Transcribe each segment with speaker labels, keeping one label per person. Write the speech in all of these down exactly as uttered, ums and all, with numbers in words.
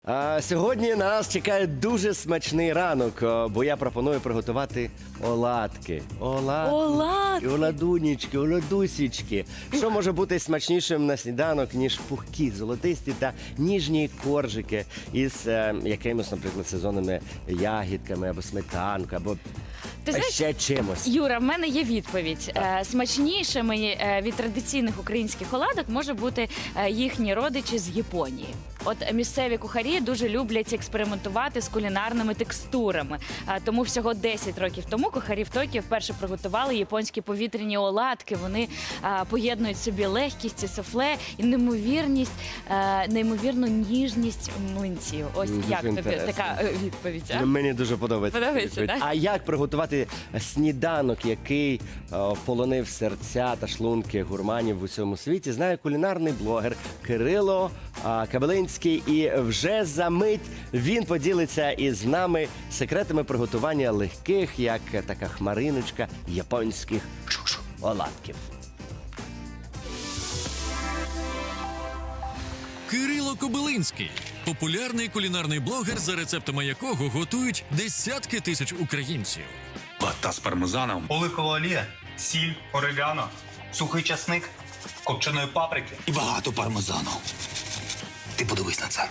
Speaker 1: А сьогодні на нас чекає дуже смачний ранок, о, бо я пропоную приготувати оладки. Оладки,
Speaker 2: Оладки.
Speaker 1: оладунічки, оладусічки. Що може бути смачнішим на сніданок, ніж пухкі, золотисті та ніжні коржики із е, якимось, наприклад, сезонними ягідками або сметанкою, або
Speaker 2: Ти знаєш,
Speaker 1: ще чимось.
Speaker 2: Юра, в мене є відповідь. Е, Смачнішими е, від традиційних українських оладок може бути е, їхні родичі з Японії. От місцеві кухарі дуже люблять експериментувати з кулінарними текстурами. Е, Тому всього десять років тому кухарі в Токіо вперше приготували японські повітряні оладки. Вони е, поєднують в собі легкість і суфле і неймовірність, е, неймовірну ніжність млинців. Ось
Speaker 1: Дуже
Speaker 2: як тобі
Speaker 1: інтересно.
Speaker 2: така е, відповідь? А?
Speaker 1: Ну, мені дуже подобається.
Speaker 2: Подобається,
Speaker 1: відповідь.
Speaker 2: так?
Speaker 1: А як приготувати сніданок, який о, полонив серця та шлунки гурманів в усьому світі, знає кулінарний блогер Кирило а, Кабелинський. І вже за мить він поділиться із нами секретами приготування легких, як така хмариночка, японських оладків.
Speaker 3: Кирило Кобилинський – популярний кулінарний блогер, за рецептами якого готують десятки тисяч українців.
Speaker 4: Лата з пармезаном,
Speaker 5: Оливкова олія, сіль, орегано, сухий часник, копченої паприки.
Speaker 4: і багато пармезану. Ти подивись на це.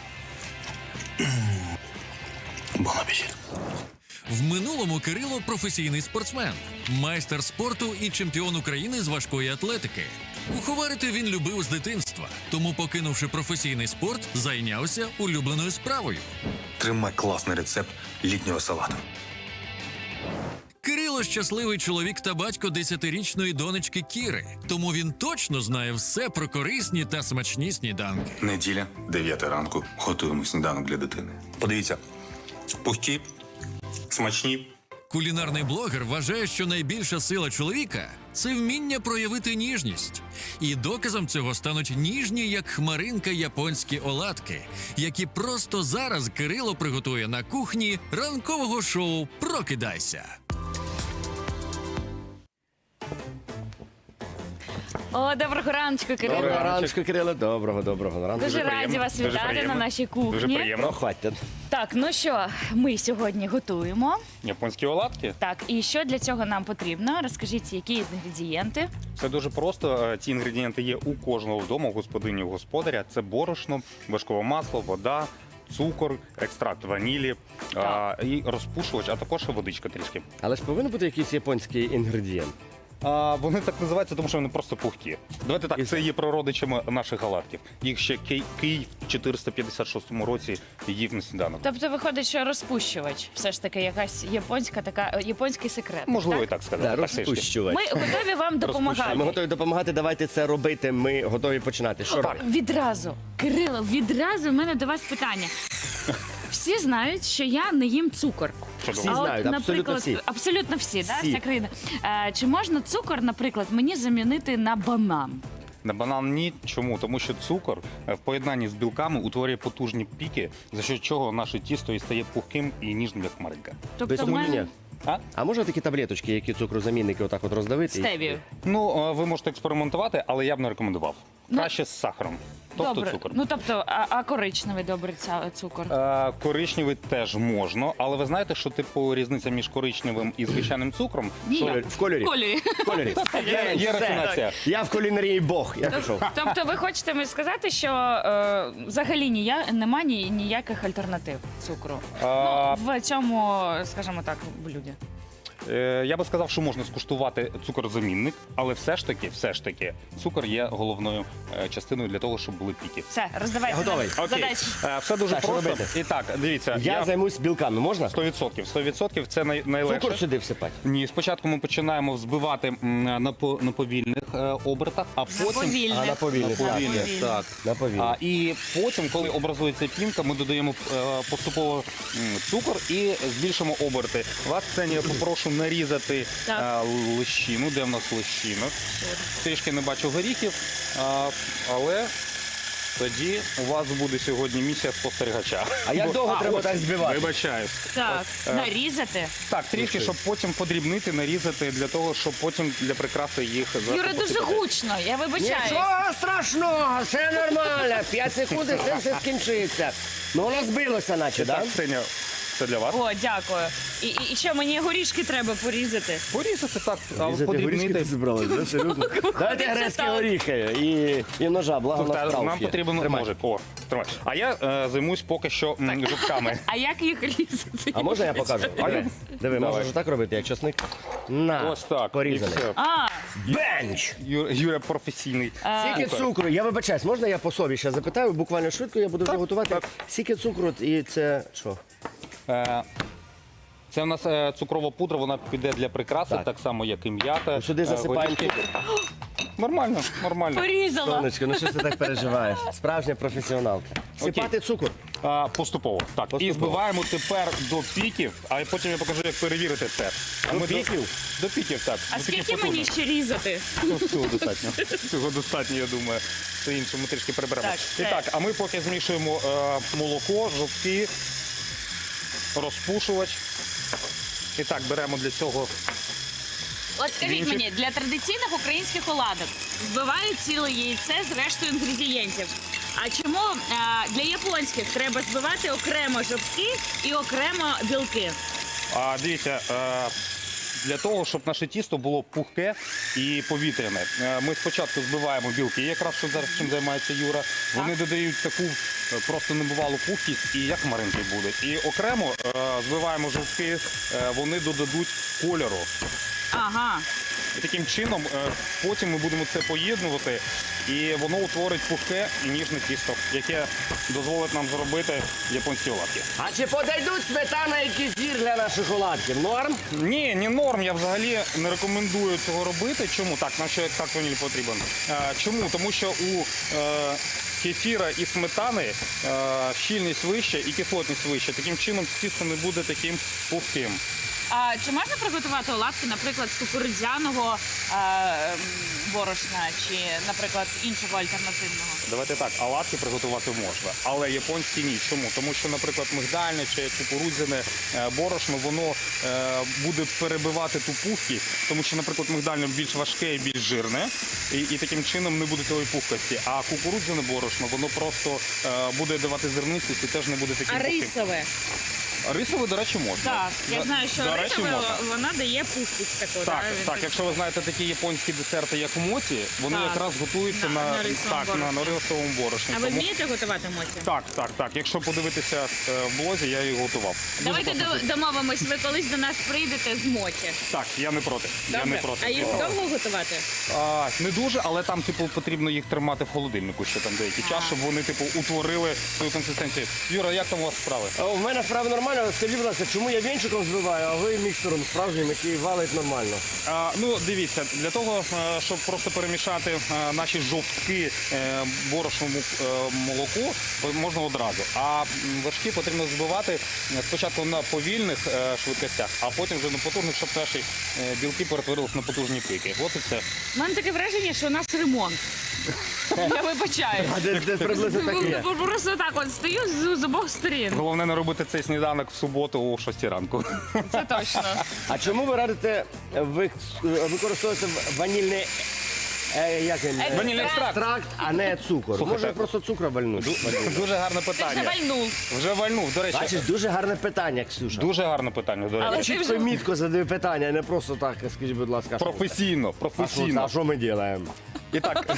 Speaker 4: Бон апетит.
Speaker 3: В минулому Кирило – професійний спортсмен, майстер спорту і чемпіон України з важкої атлетики. Куховарити він любив з дитинства, тому, покинувши професійний спорт, зайнявся улюбленою справою.
Speaker 4: Тримай класний рецепт літнього салату.
Speaker 3: Кирило – щасливий чоловік та батько десятирічної донечки Кіри, тому він точно знає все про корисні та смачні сніданки.
Speaker 4: Неділя, дев'ята ранку. Готуємо сніданок для дитини. Подивіться, пухкі, смачні.
Speaker 3: Кулінарний блогер вважає, що найбільша сила чоловіка – це вміння проявити ніжність. І доказом цього стануть ніжні, як хмаринка, японські оладки, які просто зараз Кирило приготує на кухні ранкового шоу «Прокидайся».
Speaker 2: О, доброго раночку, Кирило.
Speaker 1: Доброго ранку, Кирило. Доброго, доброго ранку.
Speaker 2: Дуже раді вас
Speaker 5: Дуже
Speaker 2: вітати
Speaker 5: приємно.
Speaker 2: на нашій кухні.
Speaker 5: Дуже приємно.
Speaker 1: Ну, хватить.
Speaker 2: Так, ну що, ми сьогодні готуємо.
Speaker 5: Японські оладки.
Speaker 2: Так, і що для цього нам потрібно? Розкажіть, які інгредієнти.
Speaker 6: Все дуже просто. Е, Ці інгредієнти є у кожного вдома, у господині, у господаря. Це борошно, вершкове масло, вода, цукор, екстракт ванілі а, і розпушувач, а також водичка трішки.
Speaker 1: Але ж повинен бути якийсь японський інгредієнт.
Speaker 6: А, вони так називаються, тому що вони просто пухкі. Давайте так,
Speaker 1: І
Speaker 6: це є прародичами наших оладків. Їх ще Ки- Київ в чотириста п'ятдесят шостому році їв на сніданок.
Speaker 2: Тобто виходить, що розпущувач все ж таки якась японська така е, японський секрет.
Speaker 6: Можливо, і
Speaker 2: так?
Speaker 6: так сказати.
Speaker 1: Да,
Speaker 6: так, трішки.
Speaker 1: розпущувач.
Speaker 2: Ми готові вам допомагати.
Speaker 1: Ми готові допомагати, давайте це робити, ми готові починати. Що робити?
Speaker 2: Відразу, Кирило, відразу в мене до вас питання. Всі знають, що я не їм цукор.
Speaker 6: Чудово.
Speaker 1: Всі
Speaker 2: А от,
Speaker 1: знають, абсолютно
Speaker 2: наприклад,
Speaker 1: всі.
Speaker 2: абсолютно всі, да,
Speaker 1: Всі.
Speaker 2: вся країна. Е, чи можна цукор, наприклад, мені замінити на банан?
Speaker 6: На банан ні. Чому? Тому що цукор е, в поєднанні з білками утворює потужні піки, за що чого наше тісто і стає пухким і ніжним, як хмаринка.
Speaker 2: Тобто
Speaker 1: Без
Speaker 2: в мене
Speaker 1: сумнівня.
Speaker 6: А?
Speaker 1: А можна такі таблеточки, які цукрозамінники отак от роздавити?
Speaker 2: стевію.
Speaker 6: Ну, е, ви можете експериментувати, але я б не рекомендував.
Speaker 2: Ну,
Speaker 6: Краще з сахаром. Тобто
Speaker 2: Добре.
Speaker 6: цукор.
Speaker 2: Ну тобто, а, а коричневий добрий ця, цукор?
Speaker 6: Е, Коричневий теж можна, але ви знаєте, що типу різниця між коричневим і звичайним цукром?
Speaker 2: Ні.
Speaker 1: В кольорі.
Speaker 2: Кольорі.
Speaker 1: В кольорі.
Speaker 6: Є, є
Speaker 1: Все.
Speaker 6: рафінація.
Speaker 1: Я в кулінарії Бог, я пішов.
Speaker 2: Тобто ви хочете мені сказати, що е, взагалі нія, нема ні, ніяких альтернатив цукру?
Speaker 6: А,
Speaker 2: Ну, в цьому, скажімо так, блюді.
Speaker 6: Е, Я би сказав, що можна скуштувати цукорозамінник, але все ж таки, все ж таки, цукор є головною е, частиною для того, щоб були піки.
Speaker 2: Все, роздавайте.
Speaker 1: Я готовий.
Speaker 2: нам
Speaker 6: Окей,
Speaker 2: задачі.
Speaker 6: Е, все дуже
Speaker 1: Так, що
Speaker 6: просто.
Speaker 1: робити?
Speaker 6: І так, дивіться,
Speaker 1: Я займусь білками, можна?
Speaker 6: сто відсотків. сто відсотків це най, найлегше.
Speaker 1: Цукор сюди всипати.
Speaker 6: Ні, спочатку ми починаємо взбивати м, на, по- на повільних е, обертах, а потім
Speaker 2: повільних.
Speaker 1: А, на повільних,
Speaker 6: на
Speaker 1: так.
Speaker 6: повільних, так.
Speaker 1: На повільних.
Speaker 6: А, і потім, коли образується пінка, ми додаємо е, поступово м, цукор і збільшимо оберти. Вас, Ксенія, попрошу нарізати
Speaker 2: Так.
Speaker 6: е, лещину. Де в нас лещина? Трішки не бачу горіхів, а, але Тоді у вас буде сьогодні місія спостерігача.
Speaker 1: А як
Speaker 6: Бо-
Speaker 1: довго треба
Speaker 6: ось,
Speaker 1: так збивати?
Speaker 6: Вибачаюсь.
Speaker 2: Так,
Speaker 6: е,
Speaker 2: нарізати.
Speaker 6: Так, трішки, щоб потім подрібнити, нарізати, для того, щоб потім для прикраси їх зверху
Speaker 2: Юра, дуже
Speaker 6: посипати.
Speaker 2: гучно, я вибачаю.
Speaker 1: Нічого страшного, все нормально. П'ять секунд і це все скінчиться. Ну воно збилося, наче,
Speaker 6: Так,
Speaker 1: так?
Speaker 6: Ксеня, це для вас.
Speaker 2: О, дякую. І, і, і що, мені горішки треба порізати?
Speaker 6: Порізати так, а подрібнити.
Speaker 1: зібрали, да? Серйозно? Дайте
Speaker 2: Це
Speaker 1: грецькі
Speaker 2: так.
Speaker 1: горіхи і, і ножа, благо
Speaker 6: Та,
Speaker 1: на
Speaker 6: нам потрібен ножик. О, тримай. А я е, займусь поки що м, жовтками.
Speaker 2: А як їх різати?
Speaker 1: А можна я покажу? Диви, Диви,
Speaker 6: Давай.
Speaker 1: можеш так робити, як часник? На,
Speaker 6: Ось так.
Speaker 1: порізаний.
Speaker 6: І все.
Speaker 2: А,
Speaker 1: Бенч!
Speaker 6: Ю- Юра професійний.
Speaker 1: Скільки цукру? Я вибачаюсь, можна я по собі ще запитаю, буквально швидко, я буду вже готувати.
Speaker 6: так.
Speaker 1: Скільки цукру і це що?
Speaker 6: Е, Це в нас е, цукрова пудра, вона піде для прикраси,
Speaker 1: Так.
Speaker 6: так, само, як і м'ята.
Speaker 1: Сюди
Speaker 6: е,
Speaker 1: засипаємо
Speaker 6: горішки.
Speaker 1: цукор.
Speaker 6: Нормально, нормально.
Speaker 2: порізала.
Speaker 1: Сонечко, ну що ти так переживаєш? Справжня професіоналка. Сипати цукор.
Speaker 6: А, поступово. Так, і
Speaker 1: Поступово.
Speaker 6: збиваємо тепер до піків, а потім я покажу, як перевірити це. А
Speaker 1: До
Speaker 6: ми
Speaker 1: піків?
Speaker 6: До, до піків, так.
Speaker 2: А
Speaker 6: До таких
Speaker 2: скільки мені
Speaker 6: потужних.
Speaker 2: ще різати?
Speaker 6: Ну, Цього достатньо. Цього достатньо, я думаю. Все інше ми трішки приберемо.
Speaker 2: Так,
Speaker 6: І
Speaker 2: все.
Speaker 6: так, а ми поки змішуємо е, молоко, жовтки, розпушувач. І так, беремо для цього.
Speaker 2: От скажіть
Speaker 6: Вінчик.
Speaker 2: мені, для традиційних українських оладок збивають ціле яйце з рештою інгредієнтів. А чому е, для японських треба збивати окремо жовтки і окремо білки?
Speaker 6: А дивіться, е, для того, щоб наше тісто було пухке і повітряне. Е, Ми спочатку збиваємо білки, якраз що зараз чим займається Юра. Вони додають таку е, просто небувалу пухкість, і як хмаринки будуть. І окремо е, збиваємо жовтки, е, вони додадуть кольору.
Speaker 2: Ага.
Speaker 6: І таким чином е, потім ми будемо це поєднувати, і воно утворить пухке і ніжне тісто, яке дозволить нам зробити японські оладки.
Speaker 1: А чи подойдуть сметана і кефір для наших оладків? Норм?
Speaker 6: Ні, не норм. Я взагалі не рекомендую цього робити. Чому? Так, нам ще екстракт ванілі потрібен. Е, чому? Тому що у е, кефіра і сметани е, щільність вища і кислотність вища. Таким чином тісто не буде таким пухким.
Speaker 2: А чи можна приготувати оладки, наприклад, з кукурудзяного е, м, борошна чи, наприклад, іншого альтернативного?
Speaker 6: Давайте так, оладки приготувати можна, але японські ні. Чому? Тому що, наприклад, мигдальне чи кукурудзяне е, борошно, воно е, буде перебивати ту пухкість, тому що, наприклад, мигдальне більш важке і більш жирне, і, і таким чином не буде тієї пухкості. А кукурудзяне борошно, воно просто е, буде давати зернистість і теж не буде таким
Speaker 2: А
Speaker 6: пухким.
Speaker 2: рисове?
Speaker 6: Рисове, до речі, можна.
Speaker 2: Так, я
Speaker 6: До-
Speaker 2: знаю, що
Speaker 6: до речі,
Speaker 2: рисове
Speaker 6: можна.
Speaker 2: вона дає пухкість таку.
Speaker 6: Так,
Speaker 2: да, від-
Speaker 6: так, якщо ви знаєте такі японські десерти, як моці, вони
Speaker 2: Так.
Speaker 6: якраз готуються
Speaker 2: На-
Speaker 6: на,
Speaker 2: на рисовому
Speaker 6: так, на,
Speaker 2: борошні.
Speaker 6: на рисовому борошні.
Speaker 2: А ви
Speaker 6: Тому-
Speaker 2: вмієте готувати моці?
Speaker 6: Так, так, так. Якщо подивитися е, в блозі, я її готував. Дуже
Speaker 2: Давайте
Speaker 6: класно.
Speaker 2: до- домовимось, ви колись до нас прийдете з моці.
Speaker 6: Так, я не проти. Я не
Speaker 2: Добре?
Speaker 6: проти.
Speaker 2: А їх довго готувати?
Speaker 6: А, не дуже, але там, типу, потрібно їх тримати в холодильнику ще там деякий час, щоб вони, типу, утворили свою консистенцію. Юра, як там у вас справи?
Speaker 1: А У мене справа нормально. Скажіть, будь ласка, чому я вінчиком збиваю, а ви міксером справжнім, який валить нормально?
Speaker 6: А, ну, дивіться, для того, е, щоб просто перемішати е, наші жовтки е, борошному е, молоку, можна одразу. А м, вершки потрібно збивати е, спочатку на повільних е, швидкостях, а потім вже на потужних, щоб наші е, білки перетворилися на потужні пики. От і все.
Speaker 2: У мене таке враження, що у нас ремонт. Я вибачаю.
Speaker 1: А де, де приблизно таке?
Speaker 2: Просто так от стою з, з обох сторін.
Speaker 6: Головне не робити цей сніданок в суботу о шостій ранку.
Speaker 2: Це точно.
Speaker 1: А чому ви радите ви- використовувати ванільний е, як він?
Speaker 2: Екстракт.
Speaker 6: Ванільний екстракт.
Speaker 1: екстракт, а не цукор?
Speaker 6: Слухайте,
Speaker 1: Може просто цукру вальнуть?
Speaker 6: Дуже гарне
Speaker 2: Ти вже
Speaker 6: питання.
Speaker 2: вальнув.
Speaker 6: Вже вальнув. До речі,
Speaker 1: Бачиш, дуже гарне питання, Ксюша.
Speaker 6: дуже гарне питання. До
Speaker 2: Але
Speaker 6: речі.
Speaker 2: ти
Speaker 1: Чітко
Speaker 2: вже-
Speaker 1: і мітко задаю питання, а не просто так, скажіть, будь ласка. що
Speaker 6: Професійно,
Speaker 1: це? А що,
Speaker 6: професійно.
Speaker 1: а що ми робимо?
Speaker 6: І так,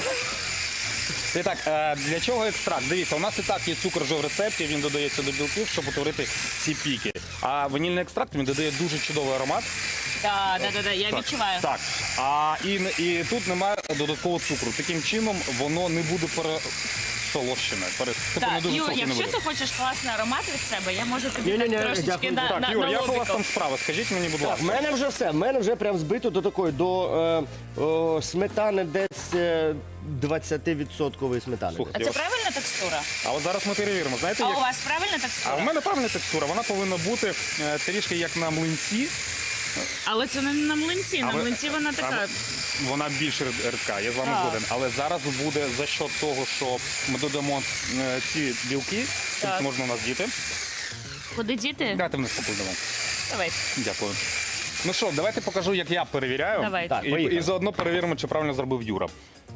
Speaker 6: і так, е, для чого екстракт? Дивіться, у нас і так є цукор вже в рецепті, він додається до білків, щоб утворити ці піки. А ванільний екстракт він додає дуже чудовий аромат.
Speaker 2: Так, так, так, я відчуваю.
Speaker 6: Так. А і, і тут немає додаткового цукру. Таким чином воно не буде пересолощене. Пере, типу, не
Speaker 2: Так,
Speaker 6: дуже
Speaker 2: Юр,
Speaker 6: солодке не
Speaker 2: якщо
Speaker 6: буде.
Speaker 2: ти хочеш класний аромат від себе, я можу тобі
Speaker 1: Ні-ні-ні,
Speaker 2: так трошечки
Speaker 1: дякую.
Speaker 2: на,
Speaker 6: Так,
Speaker 2: на,
Speaker 6: Юр,
Speaker 2: на
Speaker 6: як у вас
Speaker 2: лобіку.
Speaker 6: там справа? Скажіть мені, будь
Speaker 1: Так,
Speaker 6: ласка.
Speaker 1: в мене вже все. В мене вже прям збито до такої, до е, о, сметани десь е, двадцять відсотків сметани.
Speaker 6: Слухайте,
Speaker 2: А це правильна текстура?
Speaker 6: А от зараз ми перевіримо. Знаєте,
Speaker 2: А
Speaker 6: як...
Speaker 2: у вас правильна
Speaker 6: А
Speaker 2: текстура?
Speaker 6: в мене правильна текстура, вона повинна бути е, трішки як на млинці.
Speaker 2: Але це не на млинці. На
Speaker 6: Але-
Speaker 2: млинці вона така.
Speaker 6: а, Вона більш рид- рідка, я з вами
Speaker 2: Так.
Speaker 6: згоден. Але зараз буде за счет того, що ми додамо е, ці білки,
Speaker 2: Так.
Speaker 6: тобто можна у нас діти.
Speaker 2: Куди діти?
Speaker 6: Дайте вниз покладемо.
Speaker 2: Давай.
Speaker 6: Дякую. Ну що, давайте покажу, як я перевіряю.
Speaker 2: Давайте.
Speaker 1: Так,
Speaker 6: І,
Speaker 1: поїхали.
Speaker 6: і заодно перевіримо, чи правильно зробив Юра.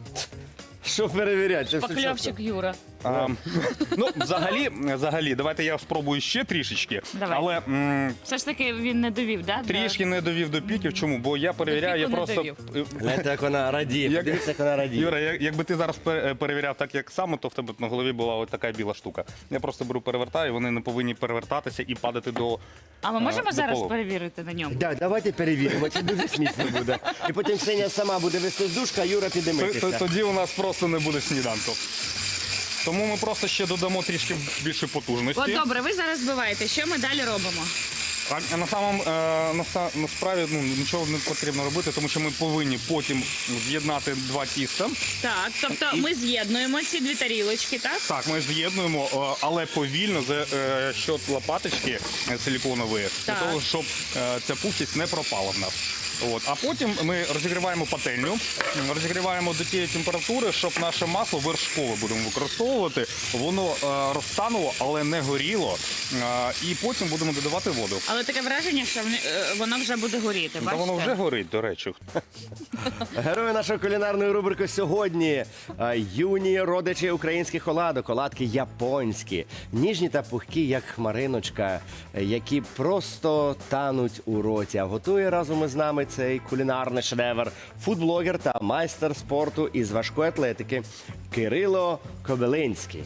Speaker 1: Що перевіряти? Це все
Speaker 2: Покльовчик Юра.
Speaker 6: А, ну, взагалі, взагалі, давайте я спробую ще трішечки.
Speaker 2: Давай.
Speaker 6: Але м,
Speaker 2: Все ж таки він не довів, да?
Speaker 6: трішки не довів до піків. Чому? Бо я перевіряю, я
Speaker 2: піку не
Speaker 6: просто.
Speaker 2: довів.
Speaker 1: Гляньте, як вона радіє.
Speaker 6: Як-
Speaker 1: Подивіться, як вона радіє.
Speaker 6: Юра, як- якби ти зараз пе- перевіряв так, як саме, то в тебе на голові була ось така біла штука. Я просто беру, перевертаю, вони не повинні перевертатися і падати до.
Speaker 2: А ми можемо
Speaker 6: до
Speaker 2: зараз
Speaker 6: полу.
Speaker 2: перевірити на ньому?
Speaker 1: Да, давайте перевіримо, це дуже смішно буде. І потім Ксенія сама буде вести з душка, а Юра піде
Speaker 6: Т- т-
Speaker 1: митися.
Speaker 6: Тоді у нас просто не буде сніданку. Тому ми просто ще додамо трішки більше потужності.
Speaker 2: От добре, ви зараз збиваєте. Що ми далі робимо?
Speaker 6: А на самом е, на, са- насправді ну, нічого не потрібно робити, тому що ми повинні потім з'єднати два тіста.
Speaker 2: Так, тобто ми з'єднуємо ці дві тарілочки, так?
Speaker 6: Так, ми з'єднуємо, е, але повільно за е, счет лопаточки е, силіконової, для
Speaker 2: Так.
Speaker 6: того, щоб е, ця пухкість не пропала в нас. От. А потім ми розігріваємо пательню, м, розігріваємо до тієї температури, щоб наше масло вершкове будемо використовувати. Воно е, розтануло, але не горіло. Е, і потім будемо додавати воду.
Speaker 2: Але таке враження, що вони- е, воно вже буде горіти.
Speaker 6: Та
Speaker 2: Бачите?
Speaker 6: воно вже горить, до речі.
Speaker 1: Герої нашої кулінарної рубрики сьогодні а, юні родичі українських оладок, оладки японські, ніжні та пухкі, як хмариночка, е, які просто тануть у роті. А готує разом із нами цей кулінарний шедевр фудблогер та майстер спорту із важкої атлетики Кирило Кобилинський.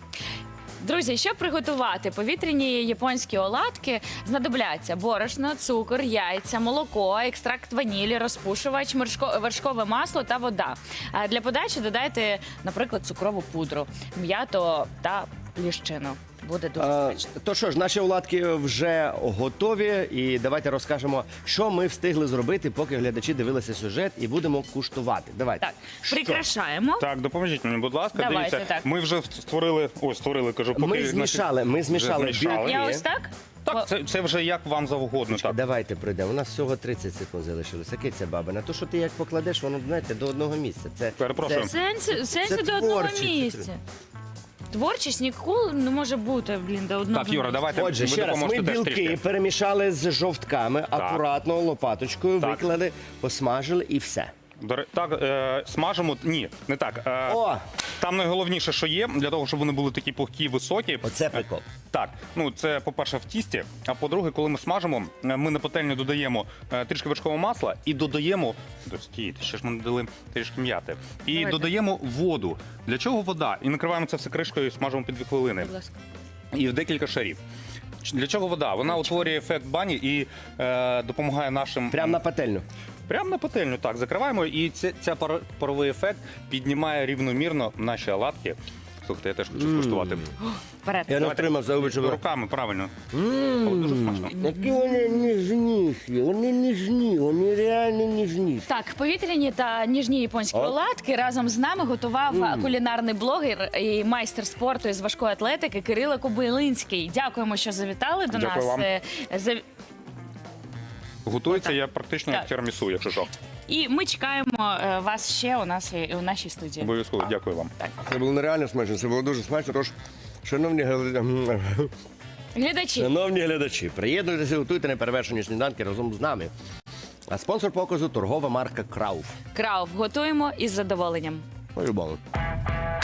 Speaker 2: Друзі, щоб приготувати повітряні японські оладки, знадобляться борошно, цукор, яйця, молоко, екстракт ванілі, розпушувач, мершко- вершкове масло та вода. А для подачі додайте, наприклад, цукрову пудру, м'ято та ліщину. Буде дуже
Speaker 1: А,
Speaker 2: смачно.
Speaker 1: то що ж, наші оладки вже готові, і давайте розкажемо, що ми встигли зробити, поки глядачі дивилися сюжет, і будемо куштувати. Давайте.
Speaker 2: Так,
Speaker 1: Що?
Speaker 2: прикрашаємо.
Speaker 6: Так, допоможіть мені, будь ласка.
Speaker 2: Давайте,
Speaker 6: Дивіться,
Speaker 2: так.
Speaker 6: ми вже створили, ось створили, кажу, поки
Speaker 1: Ми
Speaker 6: наші-
Speaker 1: змішали, ми змішали
Speaker 6: Вже змішали.
Speaker 1: білки.
Speaker 2: Я ось так?
Speaker 6: Так, це, це вже як вам завгодно. Так.
Speaker 1: Давайте пройдемо. У нас всього тридцять секунд залишилося. Киця баба. На те, що ти як покладеш, воно знаєте, до одного місця. Це
Speaker 6: Перепрошую.
Speaker 1: це-
Speaker 2: Сенсі, сенсі
Speaker 1: це
Speaker 2: до одного
Speaker 1: творчість.
Speaker 2: місця. Творчість ніколи не може бути, блін, до одного
Speaker 6: Так, Юра,
Speaker 2: місця.
Speaker 6: давайте.
Speaker 1: Отже,
Speaker 6: Ви
Speaker 1: ще раз, ми
Speaker 6: допоможете теж
Speaker 1: білки
Speaker 6: трішки.
Speaker 1: перемішали з жовтками, акуратно лопаточкою,
Speaker 6: Так.
Speaker 1: виклали, посмажили і все.
Speaker 6: До ре- Так, е, смажимо. Ні, не так. Е,
Speaker 1: О,
Speaker 6: Там найголовніше, що є, для того, щоб вони були такі пухкі, високі.
Speaker 1: оце прикол.
Speaker 6: Так, ну це по-перше в тісті. А по-друге, коли ми смажимо, е, ми на пательню додаємо е, трішки вершкового масла і додаємо. Стійте, ще ж ми додали трішки м'яти. І
Speaker 2: Давайте.
Speaker 6: додаємо воду. Для чого вода? І накриваємо це все кришкою і смажимо під дві хвилини.
Speaker 2: Будь ласка.
Speaker 6: І в декілька шарів. Для чого вода? Вона утворює ефект бані і е, допомагає нашим.
Speaker 1: Прямо на пательню.
Speaker 6: Прямо на пательню, так, закриваємо, і ця, ця пар- паровий ефект піднімає рівномірно наші оладки. Слухайте, я теж хочу скуштувати.
Speaker 2: Вперед.
Speaker 1: Я не втримав за обичу.
Speaker 6: Руками, правильно. Але дуже смачно.
Speaker 1: Які вони ніжніші, вони ніжні, вони реально ніжніші.
Speaker 2: Так, повітряні та ніжні японські
Speaker 1: О.
Speaker 2: оладки разом з нами готував кулінарний блогер і майстер спорту із важкої атлетики Кирило Кобилинський. Дякуємо, що завітали до
Speaker 6: Дякую
Speaker 2: нас.
Speaker 6: вам.
Speaker 2: Е, зав-
Speaker 6: Готується я практично як
Speaker 2: Так.
Speaker 6: тірамісу, якщо що.
Speaker 2: І ми чекаємо е, вас ще у нас і- у нашій студії.
Speaker 6: Обов'язково, дякую вам.
Speaker 1: Це було нереально смачно, це було дуже смачно. Тож, шановні глядачі,
Speaker 2: Глядачі,
Speaker 1: шановні глядачі, приєднуйтеся, готуйте неперевершені сніданки разом з нами. А спонсор показу торгова марка Крауф.
Speaker 2: Крауф готуємо із задоволенням.
Speaker 1: По-любому.